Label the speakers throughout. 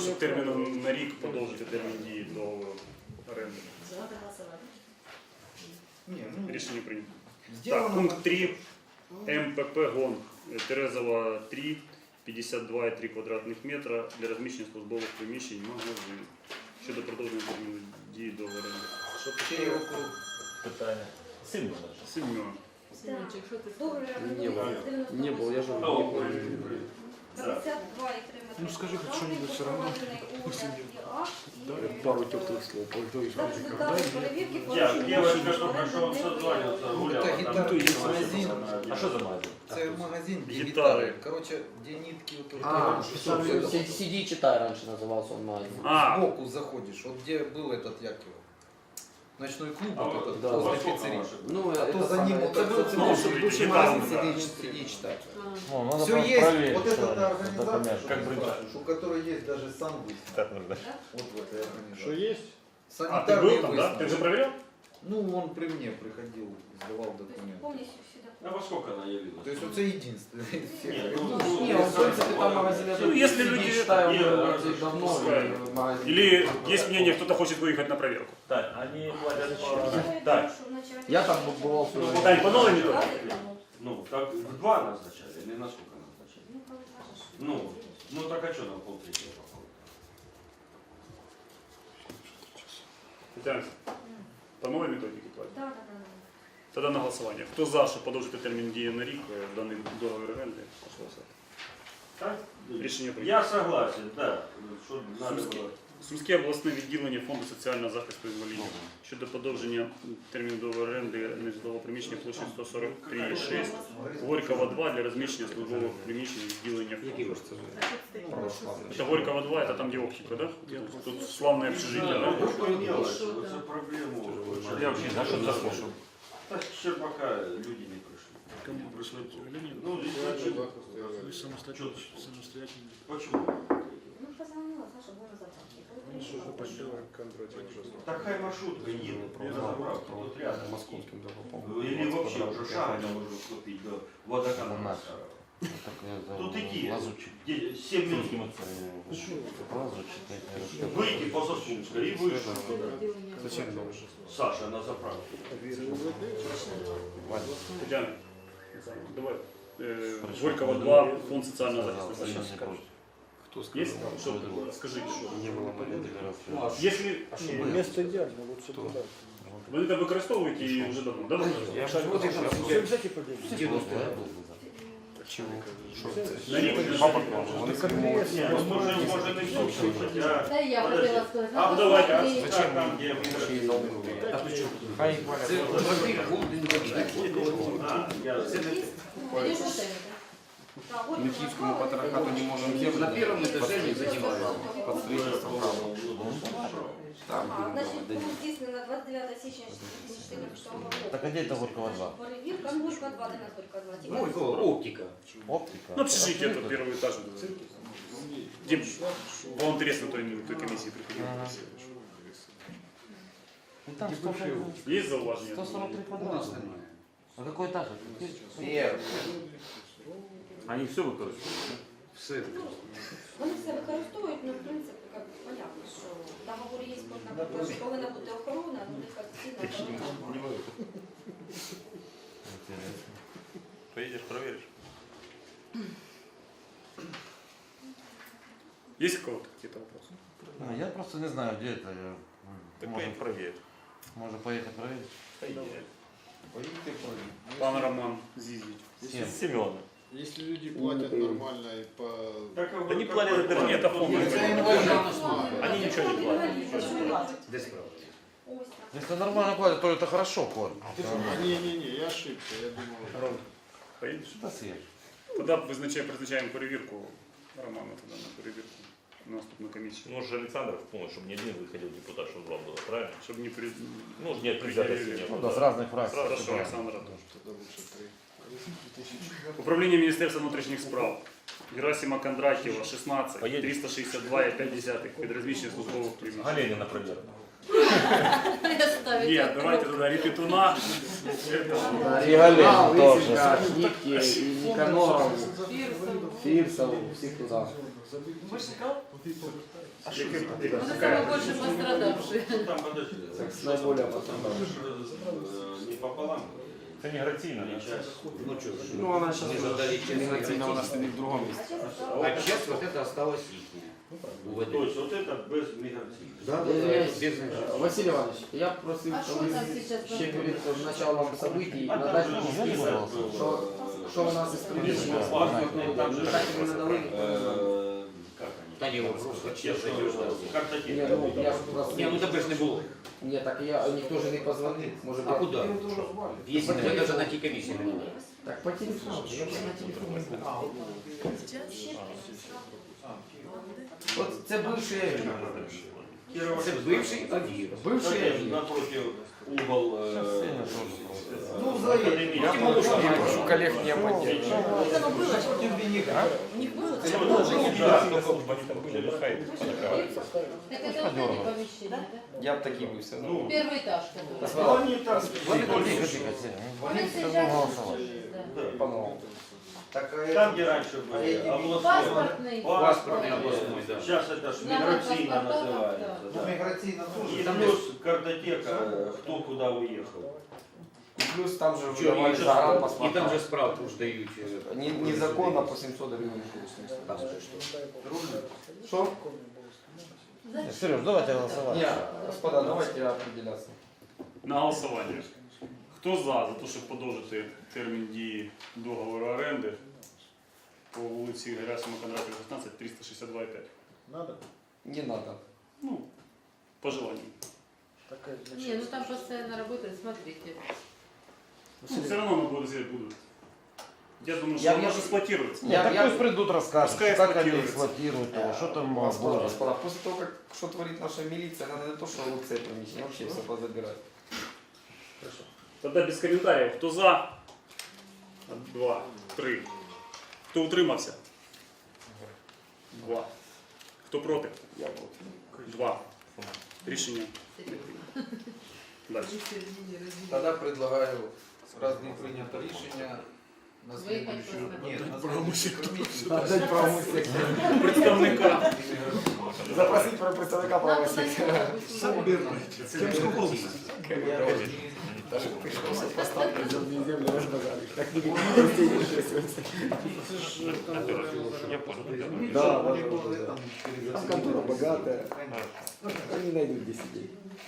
Speaker 1: щоб терміном на рік подовжити термін дії договору оренди. Рішення прийнято. Так, пункт 3. МПП ГОНГ. Терезова 3, 52,3 квадратних метра для розміщення службових приміщень магазин. Щодо продовження терміну дії договору оренди.
Speaker 2: Щоб його круг.
Speaker 3: Питання. Семен.
Speaker 1: Семен.
Speaker 4: Не был, я же не был.
Speaker 5: 52,3
Speaker 4: Ну скажи хоть что-нибудь все равно. Пару теплых слов.
Speaker 3: Девочка только что созваниваться, гуляла.
Speaker 2: Это гитара,
Speaker 3: там.
Speaker 2: есть магазин.
Speaker 3: А что за магазин?
Speaker 2: Це магазин, де
Speaker 1: Гітари.
Speaker 2: гітари. Короче, де нитки вот
Speaker 4: Сиди и читай раньше назывался он магазин.
Speaker 2: сбоку заходишь, вот где был этот, як його, ночной клуб,
Speaker 3: А
Speaker 2: вот
Speaker 3: вот,
Speaker 2: этот,
Speaker 4: да,
Speaker 2: возле
Speaker 3: во сколько
Speaker 2: пиццерии.
Speaker 3: ваши?
Speaker 4: Ну,
Speaker 2: А то
Speaker 4: это
Speaker 2: за ним
Speaker 4: самое,
Speaker 2: вот
Speaker 4: это
Speaker 2: это
Speaker 4: был
Speaker 2: вот
Speaker 1: бывший
Speaker 2: бывший
Speaker 1: гитарный,
Speaker 2: магазин,
Speaker 1: да.
Speaker 2: сиди читать.
Speaker 3: Ну, надо
Speaker 2: Все
Speaker 3: просто
Speaker 2: есть,
Speaker 3: проверить,
Speaker 2: вот
Speaker 3: что
Speaker 2: эта
Speaker 3: это
Speaker 2: организация,
Speaker 3: документ, как
Speaker 2: что
Speaker 3: брать.
Speaker 2: называется, у которой есть даже санвыставка.
Speaker 3: Так нужно.
Speaker 2: Вот в этой
Speaker 4: Что
Speaker 2: организации.
Speaker 4: есть?
Speaker 1: А, ты
Speaker 2: Санитарные
Speaker 1: был там, да? Ты
Speaker 2: выставки.
Speaker 1: же проверял?
Speaker 2: Ну, он при мне приходил, сдавал документы.
Speaker 3: А во сколько она явилась?
Speaker 2: То есть вот это единственное.
Speaker 3: Нет,
Speaker 4: Не, он, в принципе, там магазин, я
Speaker 1: Ну, если
Speaker 4: сиди
Speaker 1: люди
Speaker 4: и читай, он
Speaker 3: это-
Speaker 4: работает давно,
Speaker 1: пускай.
Speaker 4: и магазин.
Speaker 1: Или есть мнение, кто-то хочет выехать на проверку?
Speaker 3: Так, они платят по... Так,
Speaker 4: Я там бывал.
Speaker 1: Тань, по новой методике?
Speaker 3: ну, так в 2 назначали или на сколько назначали? Ну так а что нам полтретьего попало?
Speaker 1: Татьяна, по новой методике платят?
Speaker 5: Да.
Speaker 1: Тогда на голосування. Хто за, щоб подовжити термін дії на рік даний договір оренди? Прошу голосувати.
Speaker 3: Так?
Speaker 1: Рішення прийнято.
Speaker 3: Я согласен, да. Что надо было.
Speaker 1: Сумське обласне відділення Фонду соціального захисту інвалідів щодо подовження терміну договору оренди нежитлового приміщення площею 143,6 Горького 2 для розміщення службових приміщень відділення фонду. Это Горького 2, это там, где оптика, да? Тут славное общежитие, да?
Speaker 3: За проблему.
Speaker 1: Я вообще не знаю, что это за
Speaker 3: Так ще пока люди не пришли.
Speaker 1: Кому пришли?
Speaker 3: Ну,
Speaker 6: Самостоятельно.
Speaker 3: почему?
Speaker 5: Ну, позвонила, Саша, можно забрать.
Speaker 3: Так хай маршрутка едет на заправку, тут рядом.
Speaker 4: Московским
Speaker 3: Или вообще уже шага не можно вступить до водоканала. Тут иди, 7 минут. Выйти по Сосунской и вышел.
Speaker 4: Зачем
Speaker 3: Саша на заправку.
Speaker 1: Татьяна, давай. Горького 2, Фонд социального захисту инвалидов.
Speaker 4: Кто сказал?
Speaker 1: Есть? Что? Скажите, что?
Speaker 4: Не было понятия.
Speaker 1: Если
Speaker 6: Место идеально, вот все туда.
Speaker 1: ви це використовуєте і вже давно, да?
Speaker 6: Все взять и побегать.
Speaker 4: Чего?
Speaker 1: На рік?
Speaker 3: Не, ну может и слушать, хотя...
Speaker 5: Да, я хотела сказать.
Speaker 1: Ну давайте.
Speaker 3: Зачем там, где мы...
Speaker 5: Идешь в отель, да?
Speaker 4: Мы киевскому патриархату не можем землю. На первом этаже не задеваем. Под строительство храма. Там
Speaker 5: Значит, было здійснено 29 січня 2014 року.
Speaker 3: Так а где это Горького 2?
Speaker 5: Перевірка, ну, Горького 2, де нас Горького 2.
Speaker 2: Оптика.
Speaker 3: Оптика?
Speaker 1: Ну, общежитие, тут первый этаж. Дим, было интересно той комиссии приходил.
Speaker 3: Ну там
Speaker 1: Есть зауваження?
Speaker 3: 143 квадрата. А какой этаж?
Speaker 2: Первый.
Speaker 3: Они все выкористовывают?
Speaker 2: Все.
Speaker 5: Вони все використовують, ну, в принципі, як понятно, що договори є, що повинна бути охорона, ну, них офіційна охорона.
Speaker 3: Поедешь, проверишь?
Speaker 1: Есть у кого-то какие-то вопросы?
Speaker 3: Я просто не знаю, где это. Можем проверить. Можно поехать проверить?
Speaker 2: Поедете проверить.
Speaker 1: Пан Роман Зизич.
Speaker 3: Семена.
Speaker 6: Если люди платят нормально и по...
Speaker 3: Да не платят, это нет, это фонд. Они ничего не платят. Если нормально платят, то это хорошо, Коль.
Speaker 6: Не-не-не, я ошибся, я думал...
Speaker 1: Поедешь?
Speaker 3: Что съешь?
Speaker 1: Тогда призначаємо перевірку Романа тогда на перевірку на наступну комісію.
Speaker 7: Ну, же Александров помнит, чтобы не один выходил депутат, чтобы два было, правильно?
Speaker 1: Щоб не при...
Speaker 7: Ну, нет, предвзятости не
Speaker 3: Ну
Speaker 7: было.
Speaker 3: да, с разных фракций.
Speaker 1: Хорошо, Олександр Антонович.
Speaker 6: Тогда лучше 3.
Speaker 1: Управління Міністерства внутрішніх справ. Герасима Кондратьєва, 16,
Speaker 7: Поїдеш?
Speaker 1: 362,5 під розміщення службових приміщень.
Speaker 7: Галенина проверка.
Speaker 1: Ні, давайте туди Репетуна.
Speaker 4: И Гален тоже. Ники, и Никаноров, Фирсов, всех туда.
Speaker 8: Это самые больше пострадавшие.
Speaker 7: Там, подожди,
Speaker 3: Наиболее
Speaker 7: не пополам.
Speaker 3: Это не гратийно,
Speaker 7: не часть.
Speaker 4: Ну, она сейчас негативно, она стоит в другом месте.
Speaker 9: А часть вот это осталось ихняя.
Speaker 7: То есть вот это без миграции.
Speaker 4: Да,
Speaker 9: Без
Speaker 4: Василий Иванович, я просил,
Speaker 8: А
Speaker 4: чтобы
Speaker 8: что там сейчас
Speaker 4: ще перед
Speaker 8: происходит?
Speaker 4: началом событий
Speaker 7: А
Speaker 4: надати
Speaker 7: там же
Speaker 4: список,
Speaker 7: список,
Speaker 4: що у нас із приміщення
Speaker 7: Паспортные, там же
Speaker 4: не так і не надали.
Speaker 7: как они?
Speaker 9: Та ні, вопрос.
Speaker 7: Те, что картотеки.
Speaker 4: Ні, ну я ж просто...
Speaker 9: Ні, ну тебе ж не було.
Speaker 4: Ні, так я, ніхто ж не позвонив. Може,
Speaker 9: А куди? Якщо тебе навіть на тій комісії не було.
Speaker 4: Так, по телефону. Я вже на телефоні був. От це бивший Авір.
Speaker 9: Це бивший Авір.
Speaker 4: Бивший Авір.
Speaker 7: Напротив угол.
Speaker 4: Ну, взагалі, я прошу коллег не поддерживать.
Speaker 8: Вот оно было, что у них было. Так это вот эти помещения, да?
Speaker 4: Я б такий був все одно.
Speaker 8: Первый этаж, который.
Speaker 7: Они там
Speaker 8: Он сейчас да.
Speaker 4: По-новому.
Speaker 7: там, где раньше были областной.
Speaker 8: Паспортный.
Speaker 9: Паспортний обласний, да.
Speaker 7: Сейчас это ж
Speaker 8: Да,
Speaker 7: миграцийно
Speaker 8: паспорта,
Speaker 7: называется.
Speaker 8: да.
Speaker 7: Да.
Speaker 2: Миграційна
Speaker 7: И плюс картотека, кто куда уехал.
Speaker 4: І плюс там же
Speaker 9: Чого,
Speaker 4: видавали
Speaker 9: і же
Speaker 4: загран
Speaker 9: І там
Speaker 4: паспорта.
Speaker 9: же справку ж дають.
Speaker 4: Незаконно по 700 гривень.
Speaker 9: Там же що?
Speaker 4: Що?
Speaker 3: Сереж, давайте голосовать.
Speaker 4: Ні, господа, давайте определяться.
Speaker 1: На голосування. Хто за те, щоб подовжити термін дії договору оренди по вулиці Герасима Кондратєва, 16, 362,5?
Speaker 6: Надо?
Speaker 4: Не надо.
Speaker 1: Ну, по желанию.
Speaker 6: Такая
Speaker 8: Не, ну там постоянно работают, смотрите.
Speaker 1: Ну, все равно на будут будут. Я думаю, что
Speaker 4: Я-
Speaker 1: она
Speaker 4: я-
Speaker 1: же эксплуатируется.
Speaker 3: Нет, так пусть придут, расскажут,
Speaker 1: Пускай
Speaker 3: как они
Speaker 1: эксплуатируется.
Speaker 3: эксплуатируют его, что там
Speaker 4: Господа,
Speaker 3: будет.
Speaker 4: господа, после того, как что творит наша милиция, надо не то, что лучше приміщення, вообще все позабирать.
Speaker 1: Тогда без комментариев. Кто за? 2, 3. Кто утримався? 2. Хто проти?
Speaker 4: Я вот.
Speaker 1: 2. Рішення. Дальше.
Speaker 2: Тогда предлагаю, раз не принято рішення, на
Speaker 8: Выехать
Speaker 2: следующую...
Speaker 8: посмотреть.
Speaker 2: Нет, на следующую комиссию.
Speaker 4: Отдать правому сектору.
Speaker 1: Представника.
Speaker 4: Запросить про представника правого
Speaker 8: Надо
Speaker 4: сектора.
Speaker 2: Даже
Speaker 4: Пришлось поставить землю разбазарить. Так не Да, да. Там контора богатая. Они найдут где сидеть.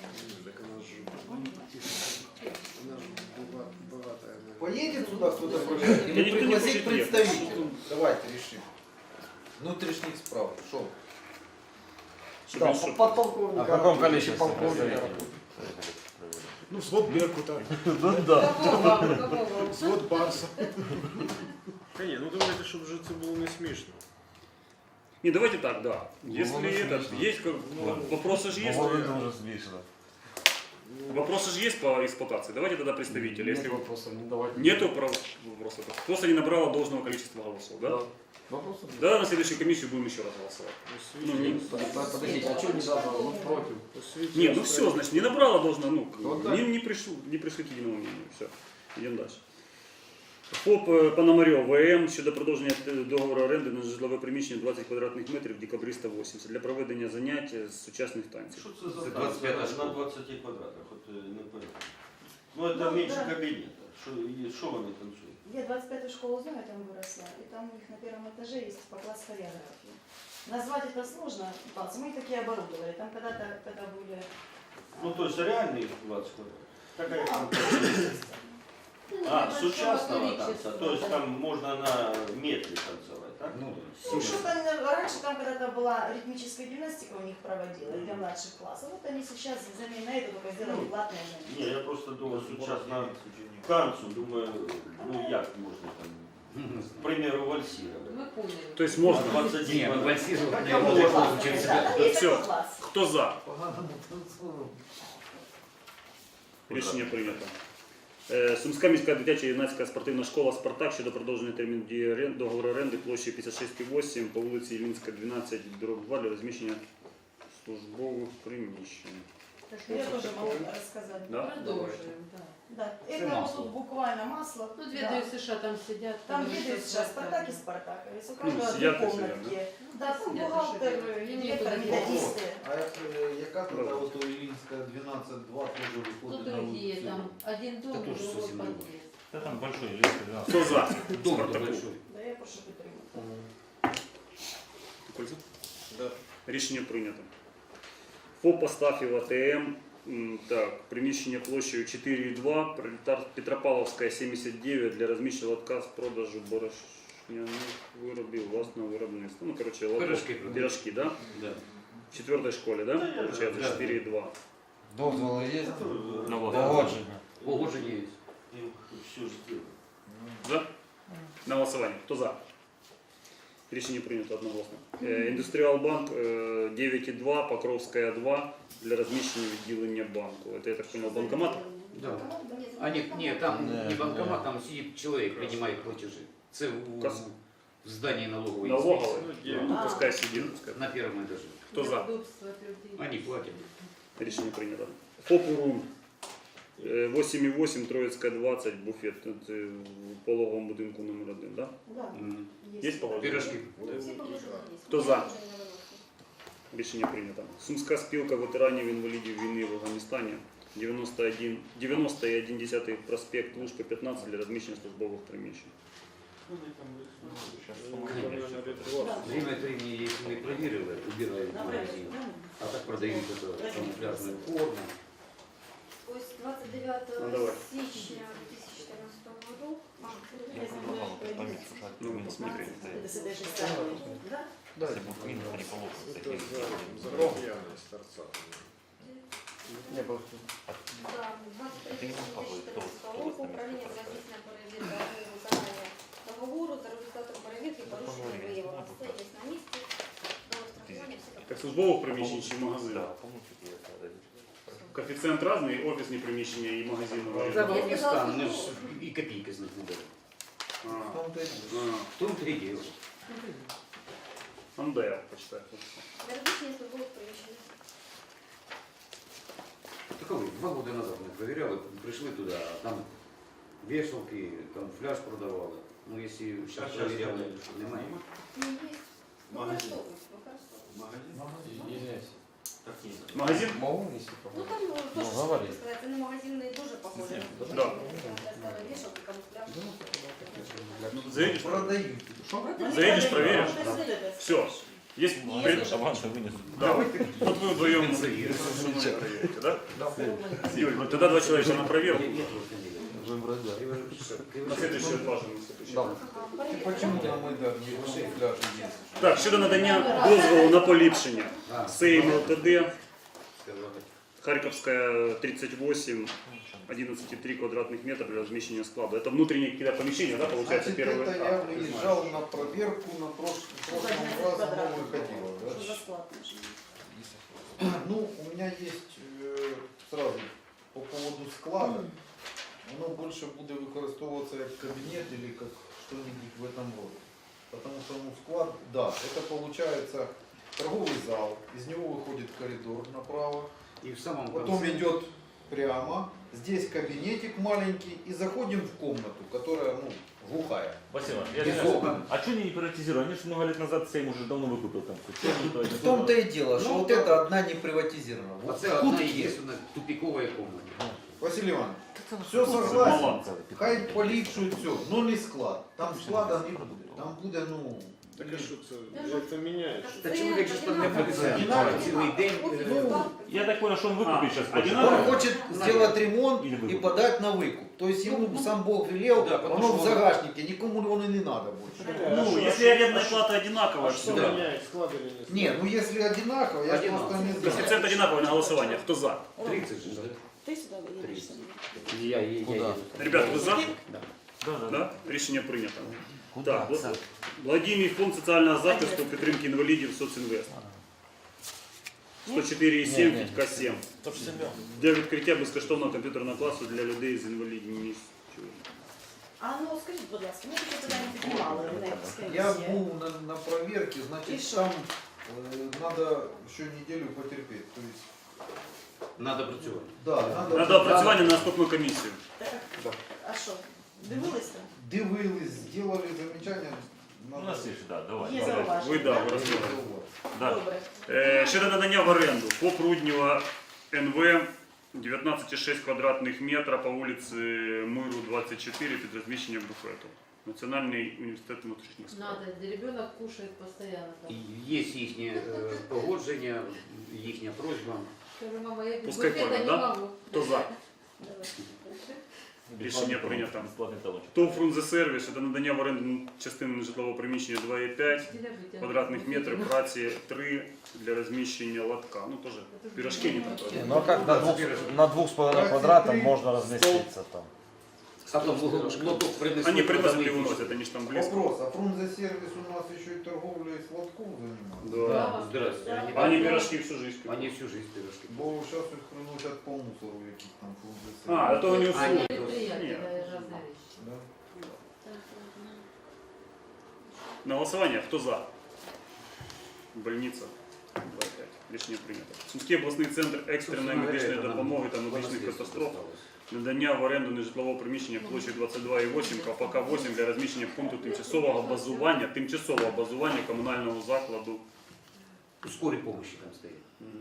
Speaker 2: Поедет сюда кто-то проверять?
Speaker 1: Да
Speaker 2: Или
Speaker 1: никто не
Speaker 2: пригласить
Speaker 1: хочет ехать.
Speaker 2: представителя? Давайте решим. Внутренних справ. Шо?
Speaker 4: Да, подполковника.
Speaker 3: А в каком количестве?
Speaker 4: Полковника.
Speaker 6: Ну, свод Беркута,
Speaker 8: Какого?
Speaker 6: свод Барса. Ні, ну давайте, щоб вже це було не смішно.
Speaker 1: Не, давайте так, да. Если этот, есть, вопросы же есть.
Speaker 3: Уже смешно.
Speaker 1: Вопросы же есть по эксплуатации. Давайте тогда представителя.
Speaker 4: Нет
Speaker 1: Если
Speaker 4: вопросов, не давайте.
Speaker 1: нету вопросов, просто не набрало должного количества голосов, да?
Speaker 4: Вопросов нет.
Speaker 1: Да, на следующую комиссию будем еще раз голосовать. Ну, не,
Speaker 4: Подождите, а что не дал? Ну, против.
Speaker 1: не, ну все, значит, не набрало должно, ну,
Speaker 4: Вот так.
Speaker 1: не пришли к единому мнению. Все, идем дальше. ФОП Пономарьов ВМ щодо продовження договору оренди на житлове приміщення 20 квадратних метрів декабриста 80 для проведення занять з сучасних танців.
Speaker 7: Что это за
Speaker 9: Це
Speaker 7: танцы
Speaker 9: 25 школа.
Speaker 7: на 20 квадратах? Вот, не понятно. Ну это меньше кабинета. Что они танцуют?
Speaker 10: Я 25-ю школу знаю, там выросла, и там у них на первом этаже есть по класс хореографии. Назвать это сложно, танцы. Мы их такие оборудовали. Там когда-то, когда были...
Speaker 7: Ну то есть реальные 20 квадратов? Какая там?
Speaker 8: Ну,
Speaker 7: С участного танца, то есть там можно на метре танцевать, так?
Speaker 10: Ну, что-то раньше там когда-то была ритмическая гимнастика у них проводила для младших классов. Вот они сейчас взамен на это только сделали платное занятие.
Speaker 7: Не, я просто думал, сейчас на танцу, думаю, ну як можно там, к примеру, вальсировать.
Speaker 8: Мы поняли.
Speaker 1: То есть можно.
Speaker 7: 20
Speaker 9: Ні, ну
Speaker 7: квадратов.
Speaker 9: вальсировать не
Speaker 10: Класс,
Speaker 9: можна через
Speaker 10: да,
Speaker 9: себя.
Speaker 10: есть
Speaker 1: Всё.
Speaker 10: такой класс.
Speaker 1: Хто за? Рішення прийнято. Сумська міська дитяча юнацька спортивна школа «Спартак» щодо продовження терміну дії договору оренди площею 56,8 по вулиці Іллінська, 12/2 для розміщення службових приміщень.
Speaker 10: Я тоже могу рассказать.
Speaker 1: Да?
Speaker 8: Продолжим, да.
Speaker 10: Да,
Speaker 9: Это
Speaker 10: это
Speaker 9: масло.
Speaker 10: вот буквально масло.
Speaker 8: Ну, две
Speaker 10: Да.
Speaker 8: ДСШ там сидят.
Speaker 10: Там
Speaker 8: говорят,
Speaker 10: видят
Speaker 8: что
Speaker 10: сейчас
Speaker 8: Спартак.
Speaker 10: Спартак и Спартаковец. У каждого
Speaker 1: сидят
Speaker 10: две
Speaker 1: и сидят,
Speaker 10: комнатки. Да, там
Speaker 8: Сидят и
Speaker 10: бухгалтер,
Speaker 8: шипят.
Speaker 10: директор,
Speaker 8: Нету
Speaker 10: методисты.
Speaker 3: А яка тут от Іллінська 12-2 теж
Speaker 8: Ну,
Speaker 3: виходить на
Speaker 8: другие
Speaker 3: вулицю?
Speaker 8: там. Один дом,
Speaker 9: тоже
Speaker 8: другой
Speaker 9: совсем другое.
Speaker 8: подъезд.
Speaker 3: Та там большой Іллінська 12.
Speaker 1: Хто за?
Speaker 9: Дом
Speaker 1: Спартаку.
Speaker 9: большой.
Speaker 10: Да, я прошу підтримати.
Speaker 1: Кольцо?
Speaker 6: Да.
Speaker 1: Рішення прийнято. ФОП Астафів АТМ. Так, приміщення площею 4,2, Петропавловська 79 для розміщення лотка з продажу борошняних виробів власного виробництва. Ну, короче, лоток,
Speaker 9: Пирожки продають.
Speaker 1: пирожки, да?
Speaker 9: Да.
Speaker 1: В 4-й школі, да? Получается
Speaker 9: Да.
Speaker 1: 4,2.
Speaker 3: Дозволи є?
Speaker 7: Ну,
Speaker 3: Погодження.
Speaker 9: Погодження есть.
Speaker 7: Все ж сделано.
Speaker 1: За? На голосування. Хто за? Рішення прийнято одноголосно. Індустріалбанк 9,2, Покровська 2 для розміщення відділення банку. Это, я так понял, банкомат?
Speaker 9: Да. А нет, там не банкомат, там сидит человек, принимает платежи. Це в здании налоговой.
Speaker 1: Налоговий?
Speaker 6: Ну,
Speaker 1: Ну, пускай сидит. Пускай.
Speaker 9: На первом этаже.
Speaker 1: Хто за?
Speaker 8: Удобство людей.
Speaker 9: Они платят.
Speaker 1: Рішення прийнято. ФОП «Урун» 8,8, Троїцька 20, буфет. Це в пологовому будинку номер 1, да?
Speaker 10: Да,
Speaker 9: М.
Speaker 1: Є погодження?
Speaker 9: Пирожки.
Speaker 5: Всі положення є.
Speaker 1: Хто за?
Speaker 5: Положення не виносимо.
Speaker 1: Рішення прийнято. Сумська спілка ветеранів інвалідів війни в Афганістані 91,1 проспект Лужка 15 для розміщення службових приміщень.
Speaker 9: Время от времени, если мы проверили, убирают магазин. А так продают эту камуфляжную форму.
Speaker 5: Ось 29
Speaker 1: Ну, давай.
Speaker 5: січня 2014 року.
Speaker 1: Ну, посмотри.
Speaker 10: это с этой же стороны. Да?
Speaker 6: Это за явность торца.
Speaker 1: Не, просто.
Speaker 5: Да, 23 січня 2014 року управління здійснює перевірку виконання договору. За результатом перевірки порушення виявлено. Все є на місці. До штрафування всі
Speaker 1: Так службових приміщень чи магазин? Коефіцієнт різний, офісні приміщення і магазини.
Speaker 9: Это Афганистан, мы ж и копейки с них не дали.
Speaker 1: А,
Speaker 9: В том-то и дело.
Speaker 1: МДР, почитай.
Speaker 5: Для розміщення службових приміщень.
Speaker 9: Таковы, 2 года назад мы проверяли, пришли туда, а там вешалки, камуфляж продавали. Ну, если сейчас проверяли, немає.
Speaker 5: Ну, є.
Speaker 7: Магазин.
Speaker 5: Використовують.
Speaker 1: Магазин?
Speaker 3: Могу, если
Speaker 5: Ну там
Speaker 3: Ну,
Speaker 5: теж,
Speaker 3: говори.
Speaker 5: що сказати, не магазин не дуже похоже.
Speaker 1: Да.
Speaker 5: Вішалки, камуфляж.
Speaker 1: Заедешь?
Speaker 3: Продають.
Speaker 1: Заедешь, проверишь?
Speaker 10: Вот это.
Speaker 1: Все. Есть пред... Да. Вот вы вдвоем проверите, да? Юль, ну тогда 2 человека на проверку. На следующий важный.
Speaker 3: Почему на Майдан не ваші пляжі є?
Speaker 1: Так, щодо надання дозволу на поліпшення. Сейм ЛТД, Харьковская 38, 11,3 квадратных метра для размещения склада. Это внутренние какие-то помещения, да, получается,
Speaker 3: Значит,
Speaker 1: первый
Speaker 3: это я выезжал на проверку на прошлом разу новый ходил.
Speaker 10: Что за
Speaker 3: Да?
Speaker 10: склад наш?
Speaker 3: Ну, у меня есть сразу по поводу склада. Воно больше буде використовуватися як кабінет или как что-нибудь в этом роде. Потому что ну, склад, да, это получается торговый зал, из него выходит коридор направо,
Speaker 9: И в самом
Speaker 3: потом
Speaker 9: конце
Speaker 3: идет прямо, здесь кабинетик маленький и заходим в комнату, которая ну, глухая.
Speaker 11: Спасибо.
Speaker 9: без окон.
Speaker 11: А что они не приватизировали? Они же много лет назад Сейм уже давно выкупил там.
Speaker 3: В том-то и дело, что
Speaker 9: Ну,
Speaker 3: вот это одна не приватизирована.
Speaker 9: А
Speaker 3: Вот
Speaker 9: це
Speaker 3: тут
Speaker 9: одна
Speaker 3: есть.
Speaker 9: единственная тупиковая комната.
Speaker 3: Василий Иванович, все согласен, хай поліпшують все, но не склад. Там склада не буде. Там буде, ну,
Speaker 6: Так а что это меняет?
Speaker 9: Та чоловік же ж там не працює цілий день.
Speaker 11: Я так понял, что он выкупит сейчас.
Speaker 1: одинаково?
Speaker 3: он хочет сделать ремонт
Speaker 11: Или
Speaker 3: и
Speaker 11: выкуп.
Speaker 3: подать на выкуп. То есть ему сам Бог велел,
Speaker 9: Да, потому
Speaker 3: оно в
Speaker 9: что он-
Speaker 3: загашнике, никому он и не надо больше.
Speaker 1: Ну, если арендная плата одинаковая,
Speaker 6: А что
Speaker 1: всегда.
Speaker 6: меняет, склад или не склад?
Speaker 3: Не, ну если одинаково, я
Speaker 9: Одинаково.
Speaker 3: просто не знаю.
Speaker 1: Коэффициент одинаковый на голосование. Кто за?
Speaker 9: 30 же, да?
Speaker 10: Ты сюда выедешь?
Speaker 9: Я еду.
Speaker 1: Ребят, вы за?
Speaker 11: Да, да.
Speaker 1: Да? Рішення прийнято. Так, Владимир фонд соціального захисту підтримки інвалідів соцінвест. 104,7 Фітка 7. Для відкриття безкоштовного комп'ютерного класу для людей з інвалідністю.
Speaker 10: А ну скажіть, будь ласка, ми ще туди не піднімали Реневська
Speaker 3: Я
Speaker 10: комісія.
Speaker 3: был на проверке,
Speaker 10: И
Speaker 3: значит
Speaker 10: что?
Speaker 3: там надо еще неделю потерпеть. То есть
Speaker 9: Надо працювати.
Speaker 3: Да,
Speaker 1: Надо опрацювання на наступну комісію.
Speaker 10: А що? Дивились там?
Speaker 3: Дивились, сделали замечания.
Speaker 11: У нас есть, да, давай.
Speaker 10: Є
Speaker 11: давай.
Speaker 10: зауваження?
Speaker 1: Ви, да,
Speaker 10: так?
Speaker 1: ви розумієте. Да.
Speaker 10: Добре.
Speaker 1: Щодо надання в оренду по Пруднєва НВ 19,6 квадратних метра по вулиці Миру 24 під розміщенням буфету. Національний університет внутрішніх справ.
Speaker 8: Надо, ребенок кушает постоянно там.
Speaker 9: Є їхнє погодження, їхня просьба.
Speaker 8: Скажу, мама, я без
Speaker 1: Пускай
Speaker 8: буфета
Speaker 1: кормят,
Speaker 8: не
Speaker 1: да?
Speaker 8: могу.
Speaker 1: Хто за?
Speaker 8: Давай.
Speaker 1: Рішення прийнято.
Speaker 11: Бесплатный талончик.
Speaker 1: ТОВ «Фрунзе Сервіс» щодо надання в оренду частини житлового приміщення 2,5 квадратних метрів праці 3 для розміщення лотка. Ну, теж пирожки не там. правда?
Speaker 12: Ну а как на 2,5 квадратах можно разместиться там?
Speaker 9: А то лоток принесуть.
Speaker 1: Они приносят и
Speaker 9: подають.
Speaker 1: выносят, они же там близко.
Speaker 3: Вопрос, а Фрунзе сервис у нас еще и торговлей сладков занимается?
Speaker 1: Да.
Speaker 9: Здрасте.
Speaker 1: Они пирожки всю жизнь.
Speaker 9: Они всю жизнь пирожки.
Speaker 3: Бо сейчас их приносят по мусору, яких там Фрунзе сервис.
Speaker 1: А, это у них
Speaker 9: Они-
Speaker 1: услуги.
Speaker 8: Предприятие,
Speaker 1: Нет.
Speaker 8: да, разные вещи.
Speaker 3: Да.
Speaker 1: На голосование кто за? Больница 2,5. Рішення прийнято. Сумський обласний центр екстреної медичної допомоги та медичних катастроф. Надання в оренду нежитлового приміщення площею 22,8 КПК 8 для розміщення пункту тимчасового базування комунального закладу.
Speaker 9: Скорой помощи там стоит.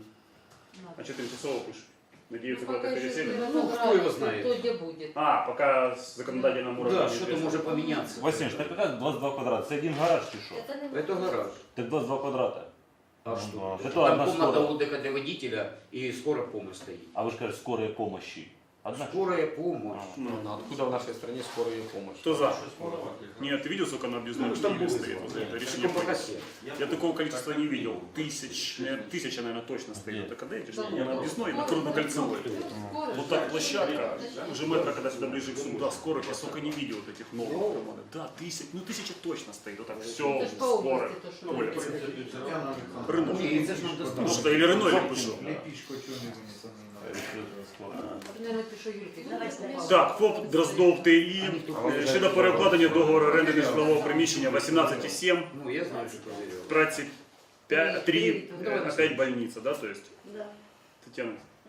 Speaker 1: А что тимчасово пишет? Надеются,
Speaker 8: Ну,
Speaker 1: куда-то
Speaker 8: пока еще
Speaker 1: переселят?
Speaker 8: ну,
Speaker 9: Кто его знает?
Speaker 8: кто где будет.
Speaker 1: А, пока с законодательным уровнем.
Speaker 9: Да, что-то может поменяться.
Speaker 11: Василий, так как 22 квадрата? Это один гараж чи що?
Speaker 9: Это гараж.
Speaker 11: Так 22 квадрата.
Speaker 9: А
Speaker 11: Ну,
Speaker 9: что?
Speaker 11: да. Это
Speaker 9: Там
Speaker 11: одна
Speaker 9: комната
Speaker 11: скорая.
Speaker 9: отдыха для водителя и скорая помощь стоит.
Speaker 11: А вы же кажете, скорая помощи. Одна.
Speaker 9: Скорая помощь.
Speaker 1: Ну,
Speaker 2: Откуда в нашей стране скорая помощь?
Speaker 1: кто за? Нет, ты видел, сколько на объездном
Speaker 9: Ну, там
Speaker 1: Киеве
Speaker 9: было
Speaker 1: стоит? Вот это решение
Speaker 9: Таком
Speaker 1: принято.
Speaker 9: покосе.
Speaker 1: Я такого количества не видел. Тысяча, наверное, точно стоит.
Speaker 11: Нет.
Speaker 1: Это когда эти же не на объездной, на Крудно-Кольцевой.
Speaker 8: Скоро
Speaker 1: Вот
Speaker 8: же.
Speaker 1: так площадка, уже метро, когда сюда ближе к сюда, скорых, я сколько не видел вот этих новых. Да, тысяча точно стоит. Вот так все
Speaker 8: Это ж по
Speaker 1: скоро.
Speaker 8: области то, что
Speaker 1: Оля.
Speaker 3: Татьяна Александровна,
Speaker 1: Рынок.
Speaker 9: Не, это ж нам
Speaker 1: Ну
Speaker 9: достаточно.
Speaker 1: что, или Рено, или Пышел.
Speaker 3: лепишку что не вынесла?
Speaker 8: Наверное, пишу Юльке.
Speaker 10: Давай, давай.
Speaker 1: Так, ФОП Дроздов ТІ щодо перекладення договору оренди нежитлового приміщення 18,7,
Speaker 9: Ну, я знаю, что проверил.
Speaker 1: праці 3, опять больница, да, то есть,
Speaker 10: Да.
Speaker 1: Татьяна,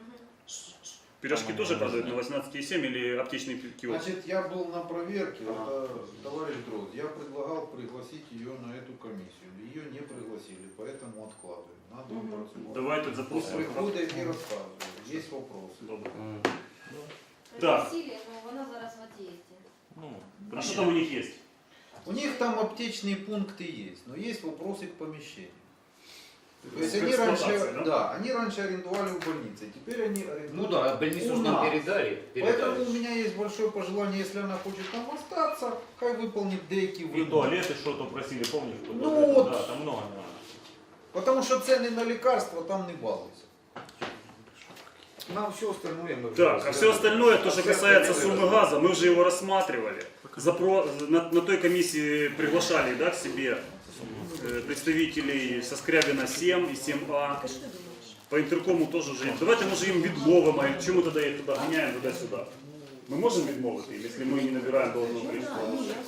Speaker 1: пирожки тоже продают на 18,7 или аптечный киоск?
Speaker 3: Значит, я был на проверке, это товарищ Дрозд, я предлагал пригласить ее на эту комиссию. Ее не пригласили, поэтому откладываем. Надо працювати.
Speaker 1: Давайте
Speaker 3: Пусть
Speaker 1: запросимо.
Speaker 3: приходить і розказує. Є вопросы.
Speaker 1: Добре.
Speaker 5: Так.
Speaker 1: Так.
Speaker 5: Вона зараз в отъезде.
Speaker 11: Ну,
Speaker 1: А что там у них есть?
Speaker 3: У них там аптечные пункты есть, но есть вопросы к помещению. То есть они
Speaker 1: Эксплуатация,
Speaker 3: раньше,
Speaker 1: да?
Speaker 3: да, они раньше арендовали в больнице, теперь они арендуют.
Speaker 9: Ну да, больницу
Speaker 3: у
Speaker 9: ж нам
Speaker 3: нас.
Speaker 9: передали.
Speaker 3: Поэтому у меня есть большое пожелание, если она хочет там остаться, хай выполнит деякі
Speaker 11: и
Speaker 3: вимоги.
Speaker 11: туалеты что-то просили, помнишь?
Speaker 3: Ну
Speaker 11: Вот это,
Speaker 3: вот.
Speaker 11: Да, там много.
Speaker 3: Потому что цены на лекарства там не балуются.
Speaker 9: Нам все остальное мы...
Speaker 1: Так, а все остальное, то, что касается суммы газа, мы уже его рассматривали. На той комиссии приглашали, да, к себе представителей со Скрябина 7 и 7А. По интеркому тоже уже. Давайте, може, їм відмовимо, а чому тоді їх туди ганяємо туди-сюди? Ми можемо відмовити, якщо ми не набираємо должного количества?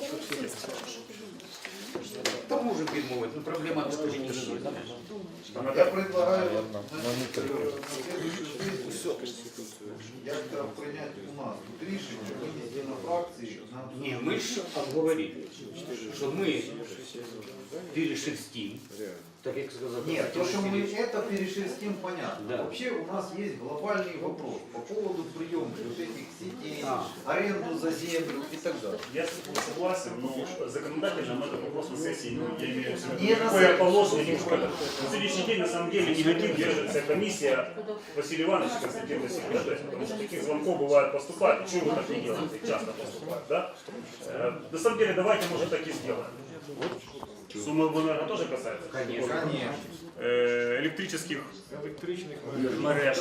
Speaker 9: Там можем відмовити, ну проблема тут тоже не
Speaker 3: Я предлагаю на следующую сессию як-то принять у нас тут рішення, винести на фракції.
Speaker 9: Не, мы же обговорили, что мы перешерстим, так как сказал.
Speaker 3: Нет, то, что мы это перешерстим, понятно.
Speaker 9: Да.
Speaker 3: Вообще у нас есть глобальный вопрос по поводу приемки вот этих сетей,
Speaker 9: А.
Speaker 3: аренду за землю и так далее.
Speaker 1: Я согласен, но законодательно мы этот вопрос на сессии, ну, я имею в виду,
Speaker 3: Не на
Speaker 1: какое
Speaker 3: сессии.
Speaker 1: положение. На сегодняшний день, на самом деле, негатив держится комиссия Василий Иванович Константин Васильевич, да, потому что таких звонков бывает поступает, и чего вы так не делаете, часто поступает, да? На самом деле, давайте, может, так и сделаем. Сумма обленерго тоже касается?
Speaker 9: Конечно.
Speaker 3: Конечно.
Speaker 1: Электрических
Speaker 6: Електричних
Speaker 1: мереж.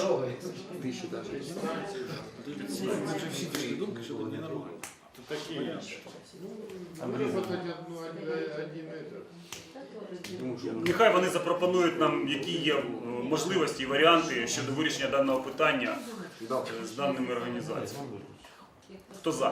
Speaker 6: такі.
Speaker 1: Нехай вони запропонують нам, які є можливості і варіанти щодо вирішення даного питання з даними організаціями. Хто за?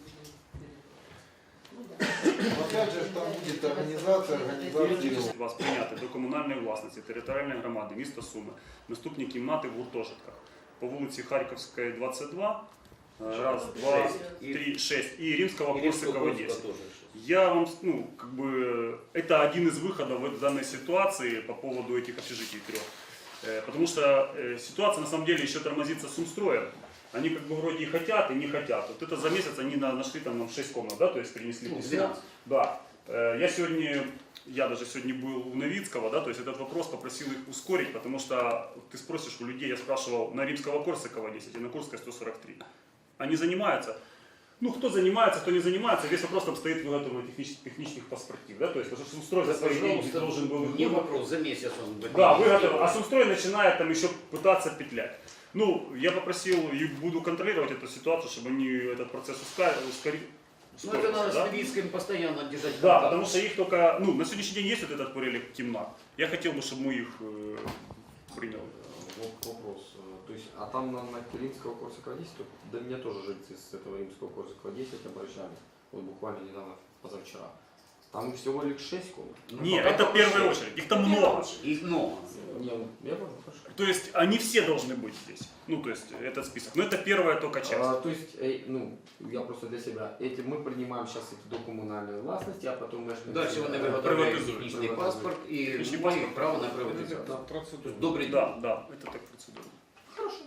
Speaker 3: Опять же, там будет организация.
Speaker 1: Вас прийняти до комунальної власності територіальної громади міста Суми наступні кімнати в гуртожитках. по вулиці Харківської, 22, раз, два, три, 6, и Римского Корсакова 10. Я вам, ну, как бы, это один из выходов в данной ситуации по поводу этих общежитий 3. Потому что ситуация на самом деле еще тормозится с Умстроем. Они как бы вроде и хотят, и не хотят. Вот это за месяц они нашли там нам 6 комнат, да, то есть принесли письмо.
Speaker 9: 12.
Speaker 1: Да. Я даже сегодня был у Новицкого, да, то есть этот вопрос попросил их ускорить, потому что ты спросишь у людей, я спрашивал, на Римского Корсакова 10 и на Курской 143. Они занимаются. Ну, кто занимается, кто не занимается, весь вопрос там стоит в выготовлении технических паспортов, да, то есть, потому что Сумстрой за свои деньги должен был...
Speaker 9: Не вопрос, за месяц он будет.
Speaker 1: Да, выготовил, а Сумстрой начинает там еще пытаться петлять. Ну, я попросил и буду контролировать эту ситуацию, чтобы они этот процесс ускорить.
Speaker 9: Ну, это надо с Новицким постоянно держать
Speaker 1: Да,
Speaker 9: контакт.
Speaker 1: потому что их только, ну, на сегодняшний день есть вот этот перелик темна. Я хотел бы, чтобы мы их приняли.
Speaker 4: Вопрос. То есть, а там на Римского Корсакова 10, до меня тоже жильцы с этого Римского Корсакова 10 обращались, вот буквально недавно, позавчера. Там всего лишь 6 комнат.
Speaker 1: Нет, это в первую очередь, их там много.
Speaker 9: Их много.
Speaker 4: Я понял, хорошо.
Speaker 1: То есть они все должны быть здесь. Ну, то есть этот список. Но это первая только часть.
Speaker 4: То есть, ну, я просто для себя, мы принимаем сейчас их до коммунальной властности, а потом мы...
Speaker 9: Дальше вони виготовляють технічний паспорт і
Speaker 1: Технічний
Speaker 9: мають
Speaker 1: паспорт.
Speaker 9: право на приватизацію.
Speaker 6: Да, процедура.
Speaker 9: Добрий день.
Speaker 1: Да, да, это так процедура. Хорошо.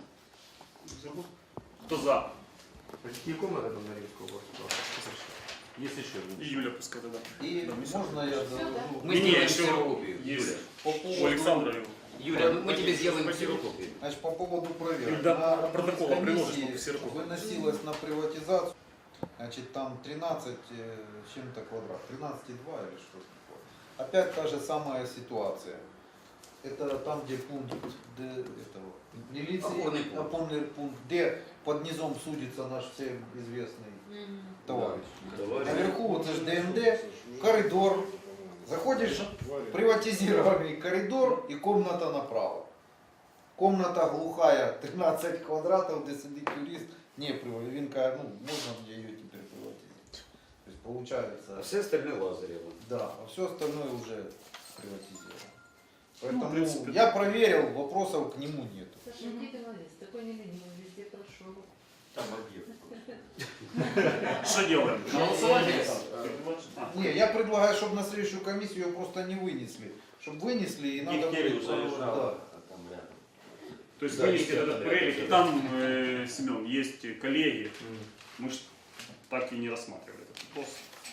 Speaker 1: Кто за?
Speaker 4: Какие комнаты там на Римского Корсакова?
Speaker 11: Есть еще один.
Speaker 1: И Юля пускай тогда.
Speaker 3: И можно я довожу?
Speaker 9: Мы
Speaker 1: Не,
Speaker 9: сделаем
Speaker 1: еще
Speaker 9: ксерокопию.
Speaker 1: есть.
Speaker 3: По
Speaker 1: У
Speaker 3: поводу,
Speaker 1: Александра.
Speaker 9: Юля, мы тебе сделаем ксерокопию.
Speaker 3: значит, по поводу проверок.
Speaker 1: Да,
Speaker 3: На
Speaker 1: протокола приложишь,
Speaker 3: комиссии
Speaker 1: чтобы все руку.
Speaker 3: выносилось на приватизацию, значит, там 13 чем-то квадрат, 13,2 или что-то такое. Опять та же самая ситуация. Это там, где пункт милиции,
Speaker 9: Опорный пункт.
Speaker 3: опорный пункт, где под низом судится наш всем известный товарищ. Наверху вот это ДНД, коридор. Заходишь в приватизированный коридор и комната направо. Комната глухая, 13 квадратов, где сидит юрист. Не, він каже, ну, можно мне ее теперь приватизировать. То есть
Speaker 9: А
Speaker 3: получается,
Speaker 9: все остальное Лазарево.
Speaker 3: да, а все остальное уже приватизировано. Поэтому
Speaker 1: в принципе,
Speaker 3: я проверил, вопросов к нему нет.
Speaker 8: Саша, где ты молодец, такой не ленивый, везде прошел.
Speaker 7: Там об'єкт.
Speaker 1: Что делаем? На голосование?
Speaker 3: Не, я предлагаю, чтобы на следующую комиссию ее просто не вынесли. Чтобы вынесли и надо
Speaker 7: Дегтярев
Speaker 3: будет...
Speaker 7: заезжал,
Speaker 3: Да.
Speaker 7: а там рядом.
Speaker 1: То есть
Speaker 9: Да,
Speaker 1: вынести
Speaker 9: есть
Speaker 1: этот
Speaker 9: это,
Speaker 1: перелик.
Speaker 9: да.
Speaker 1: И там, Семен, есть коллеги. Мы ж так и не рассматривали этот вопрос.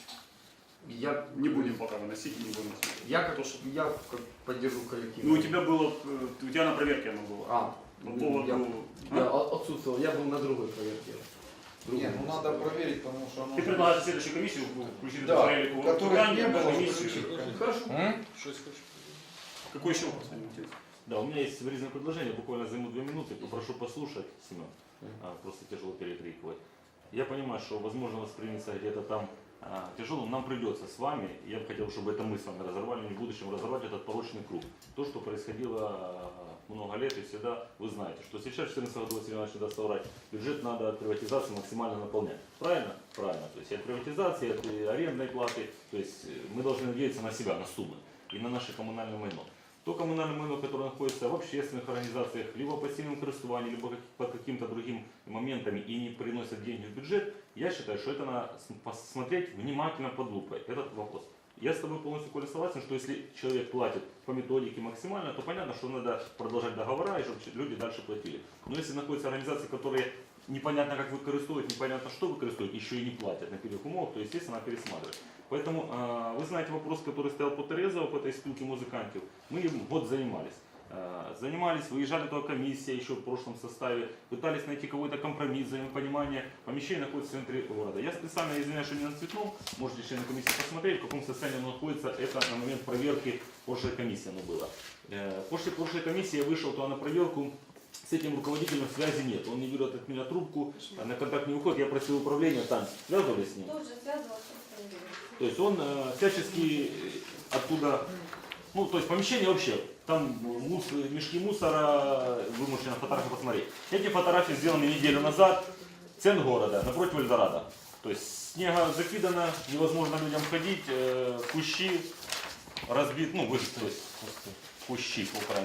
Speaker 4: Я
Speaker 1: Не будем пока выносить, не будем рассматривать.
Speaker 4: Я как,
Speaker 1: То, что-
Speaker 4: я как поддержу коллектив.
Speaker 1: Ну, у тебя было, у тебя на проверке оно было.
Speaker 4: А,
Speaker 1: По поводу...
Speaker 4: я отсутствовал, я был на другой проверке.
Speaker 3: Не, ну надо проверить, потому что оно...
Speaker 1: Ты предлагаешь в следующую комиссию включить
Speaker 3: Да,
Speaker 1: этот перелик в
Speaker 3: которых
Speaker 1: питание,
Speaker 3: не
Speaker 1: на
Speaker 3: было,
Speaker 1: комиссию.
Speaker 3: включить, конечно.
Speaker 4: Хорошо.
Speaker 6: Что хочешь?
Speaker 1: Какой еще вопрос? Валентин?
Speaker 11: Да, у меня есть вырезанное предложение, буквально займу 2 минуты, попрошу послушать, Семен, просто тяжело перекрикивать. Я понимаю, что возможно восприниматься где-то там тяжело, нам придется с вами, я бы хотел, чтобы это мы с вами разорвали, не в будущем разорвать этот порочный круг. То, что происходило много лет и всегда, вы знаете, что сейчас в 2014 году, Василий Иванович даст соврать, бюджет надо от приватизации максимально наполнять. Правильно? Правильно. То есть от приватизации, от арендной платы, то есть мы должны надеяться на себя, на суммы и на наше коммунальное майно. То коммунальное майно, которое находится в общественных организациях, либо по пассивному користуванию, либо по каким-то другим моментам и не приносят деньги в бюджет, я считаю, что это надо посмотреть внимательно под лупой, этот вопрос. Я с тобой полностью, Коля, согласен, что если человек платит по методике максимально, то понятно, что надо продолжать договора, и чтобы люди дальше платили. Но если находятся организации, которые непонятно как використовують, непонятно что використовують, еще и не платят на первых умовах, то естественно надо пересматривать. Поэтому вы знаете вопрос, который стоял по Терезову, по этой спилке музыкантов. Мы им год занимались. Занимались, выезжали туда комиссия еще в прошлом составе, пытались найти какой-то компромисс, взаимопонимание. Помещение находится в центре города. Я специально извиняюсь, что не на Цветном, можете члены комиссии посмотреть, в каком состоянии оно находится. Это на момент проверки прошлой комиссии оно было. После прошлой комиссии я вышел туда на проверку. С этим руководителем связи нет. Он не берет от меня трубку, на контакт не выходит. Я просил управления, там связывались с ним.
Speaker 5: Тоже связывался с ним.
Speaker 11: То есть он всячески оттуда, ну то есть помещение вообще, там мешки мусора, вы можете на фотографии посмотреть. Эти фотографии сделаны неделю назад, центр города, напротив Эльдорадо. То есть снега закидано, невозможно людям ходить, кущи разбит, ну то есть кущи по-украински.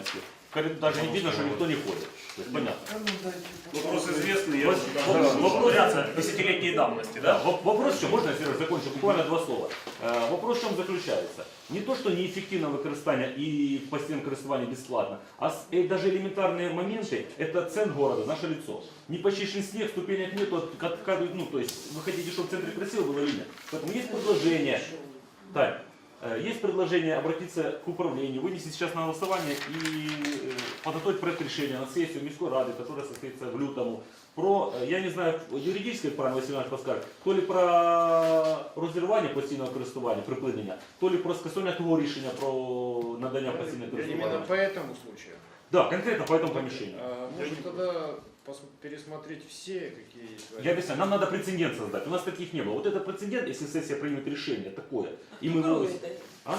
Speaker 11: даже не видно, что никто не ходит. То есть понятно.
Speaker 1: Вопрос известный, я
Speaker 11: Вопрос,
Speaker 1: десятилетней давности, да?
Speaker 11: Вопрос в чем, можно я, Сереж, закончу, буквально 2 слова. Вопрос в чем заключается? Не то, что неэффективно використання і постійне користування бесплатно, а даже элементарные моменты, это центр города, наше лицо. Не почищен снег, ступенек нету, ну, то есть вы хотите, чтобы в центре красиво было или нет. Поэтому есть предложение, Тань, есть предложение обратиться к управлению, вынести сейчас на голосование и подготовить проект решения на сессию Мирской Рады, которая состоится в лютому, про, я не знаю, юридическое право Василь подскажет, то ли про розірвання постійного користування, припинення, то ли про скасування того рішення про надання постійного користування.
Speaker 6: Именно по этому случаю.
Speaker 11: Да, конкретно по этому помещению.
Speaker 6: Может тогда пересмотреть все, какие есть
Speaker 11: Я объясняю, нам надо прецедент создать, у нас таких не было. Вот это прецедент, если сессия примет решение такое, и мы его... А?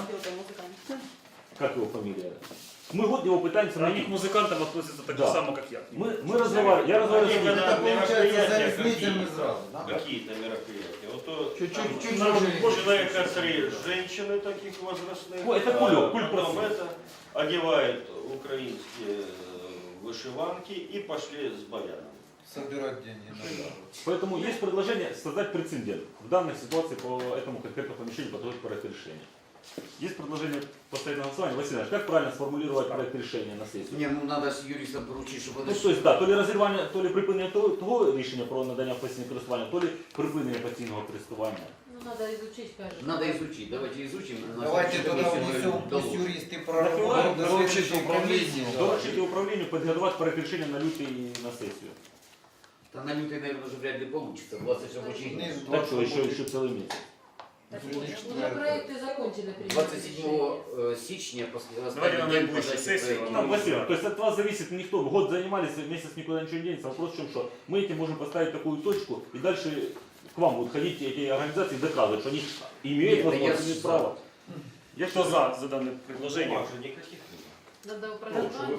Speaker 11: Как его фамилия? Мы год его пытаемся
Speaker 1: На
Speaker 11: найти.
Speaker 1: них музыкантов относятся так же
Speaker 11: Да.
Speaker 1: само, как я.
Speaker 11: Мы разговаривали, я разговаривал с ним.
Speaker 3: Это получается за
Speaker 7: Мероприятия
Speaker 3: ресницами сразу, да?
Speaker 7: Какие-то мероприятия. Вот то,
Speaker 3: Чуть-чуть
Speaker 7: человека 3 женщины таких возрастных.
Speaker 11: Ой, это кульок, культ
Speaker 7: потом
Speaker 11: просто.
Speaker 7: это одевают украинские вышиванки и пошли с баяном.
Speaker 3: Собирать деньги на дорогу.
Speaker 11: Поэтому есть предложение создать прецедент в данной ситуации по этому конкретному помещению, подготовить проект решения. Есть предложение поставить на голосование. Василий Иванович, как правильно сформулировать проект решения на сессию?
Speaker 9: Не, ну надо с юристом поручить, чтобы
Speaker 11: Ну, то есть, да, то ли розірвання, то ли припинення того рішення про надання постійного користування, то ли припинення постійного користування.
Speaker 8: Ну, надо изучить, кажется.
Speaker 9: надо изучить. Давайте изучим. На
Speaker 3: Давайте
Speaker 9: следующей
Speaker 3: тогда
Speaker 9: комиссии мы
Speaker 3: внесем, пусть
Speaker 9: доложим.
Speaker 3: юристы
Speaker 11: На
Speaker 3: проработают
Speaker 11: февраль
Speaker 3: до следующей управления.
Speaker 11: Доручите управлению подготовить проект решения на лютый и на сессию.
Speaker 9: Да на лютый, наверное, уже вряд ли получится. 20 рабочих дней.
Speaker 3: Нет,
Speaker 11: Так что еще целый месяц.
Speaker 8: Уже проекты закончили.
Speaker 9: 27 січня
Speaker 1: Давайте на
Speaker 9: останній день
Speaker 1: найближчу
Speaker 9: подачі
Speaker 1: сесію,
Speaker 9: проектів.
Speaker 11: Ну, Василий, то есть от вас зависит никто. Год занимались, месяц никуда ничего не денется. Вопрос в чем, что мы этим можем поставить такую точку, и дальше к вам будут ходить эти организации и доказывать, что они имеют
Speaker 9: Нет,
Speaker 11: возможность,
Speaker 9: я
Speaker 11: имеют
Speaker 9: за.
Speaker 11: право.
Speaker 1: Я кто за данное предложение?
Speaker 7: Бумаг же никаких нет.
Speaker 8: Надо управление,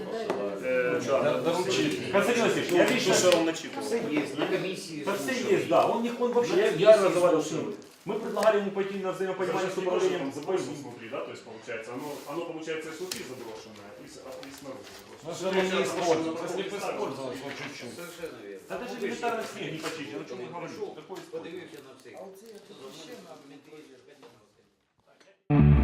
Speaker 11: Константин Васильевич, я лично...
Speaker 1: Что он начитывал?
Speaker 9: Все есть, на комиссии.
Speaker 11: Да все
Speaker 9: слушали.
Speaker 11: есть, да. Он вообще, я разговаривал с ним. Мы предлагали ему пойти на взаимопонимание с управлением.
Speaker 1: Заброшено внутри, да, то есть получается, оно получается и снутри заброшенное, и снаружи заброшенное.
Speaker 12: Ну, оно не используется. Если бы использовалось, вот чуть-чуть.
Speaker 9: Совершенно верно.
Speaker 11: Да даже элементарно снег не почистить, о чем мы говорим? Какой
Speaker 9: Подивився на все.
Speaker 3: А оце ще на